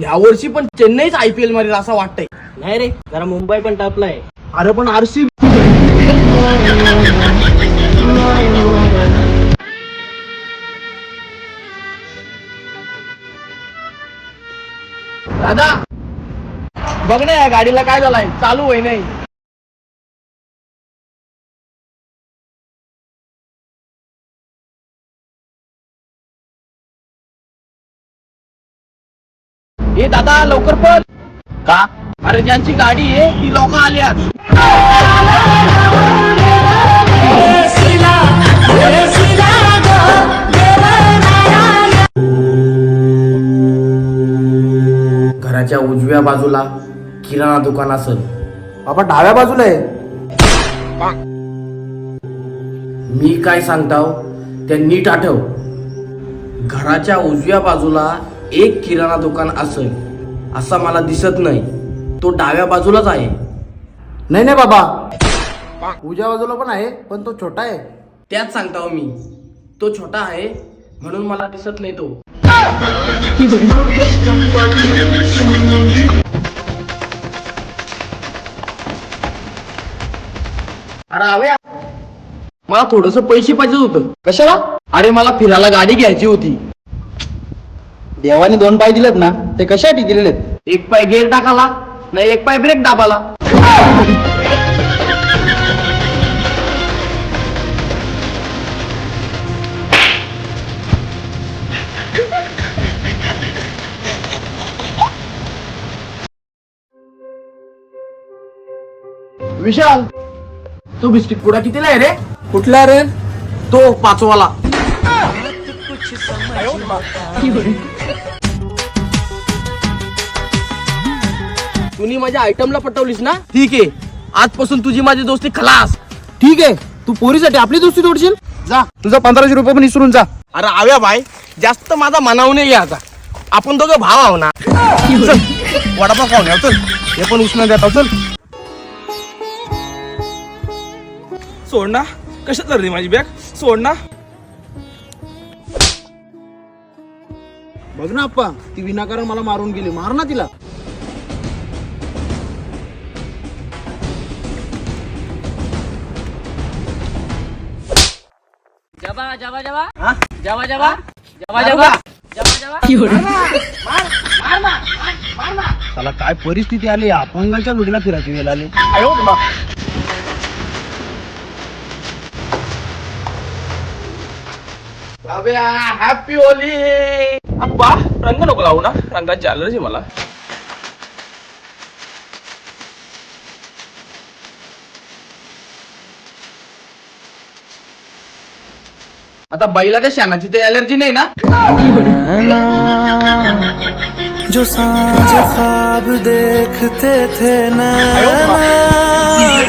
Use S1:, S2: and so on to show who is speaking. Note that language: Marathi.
S1: यावर्षी पण चेन्नईच IPL मारेल असं वाटतंय.
S2: नाही रे, जरा मुंबई पण टपलाय.
S1: अरे पण RCB दादा बघ ना या गाडीला काय झालंय, चालू होई नाही. ए दादा लवकर पळ.
S2: का?
S1: अरे ज्यांची गाडी आहे ती लोक आल्यात. घराच्या उजव्या बाजूला किराणा दुकान असेल.
S2: बाबा डाव्या बाजूला आहे.
S1: मी काय सांगताव त्या नीट आठव. घराच्या उजव्या बाजूला एक किराणा दुकान असेल असा मला दिसत नाही. तो डाव्या बाजूलाच आहे.
S2: नाही नाही बाबा, उजव्या बाजूला पण आहे, पण तो छोटा आहे.
S1: त्याच सांगताव मी, तो छोटा आहे म्हणून मला दिसत नाही तो. अरे हवे मला थोडस पैसे पाहिजे होतं.
S2: कशाला?
S1: अरे मला फिरायला गाडी घ्यायची होती.
S2: देवाने 2 पाय दिलेत ना, ते कशासाठी दिलेले?
S1: एक पाय गेअर टाकाला नाही, एक पाय ब्रेक दाबाला. विशाल तो बिस्किट पुडा कितीला आहे रे?
S2: कुठला रे?
S1: तो 5 वाला. तुम्ही माझ्या आयटमला पटवलीस ना, ठीक आहे. आजपासून तुझी माझी दोस्ती खलास.
S2: ठीक आहे, तू पोरीसाठी आपली दोस्ती तोडशील? जा, तुझा 1500 रुपये पण विसरून जा.
S1: अरे आव्या बाय, जास्त माझा मनाव नाही घ्यायचा. आपण दोघं भाव आहो ना. चल, वडापाव खाऊन याव चल. हे पण उष्ण देता चल.
S3: सोड ना, कशात चालली माझी बॅग? सोड ना.
S2: बघ ना अप्पा, ती विनाकारण मला मारून गेली. मार ना तिला.
S4: जबा जबा जबा जबा जबा जबा जबा जबा.
S2: त्याला काय परिस्थिती आली, अपंगाच्या जोडीला फिरायची वेळ आली.
S1: Happy Holy.
S3: अप्पा रंग नको लावू ना, रंगाची अलर्जी मला.
S1: आता बैला त्या शानाची ते अलर्जी नाही ना.
S5: जो सांझ ख्वाब देखते थे ना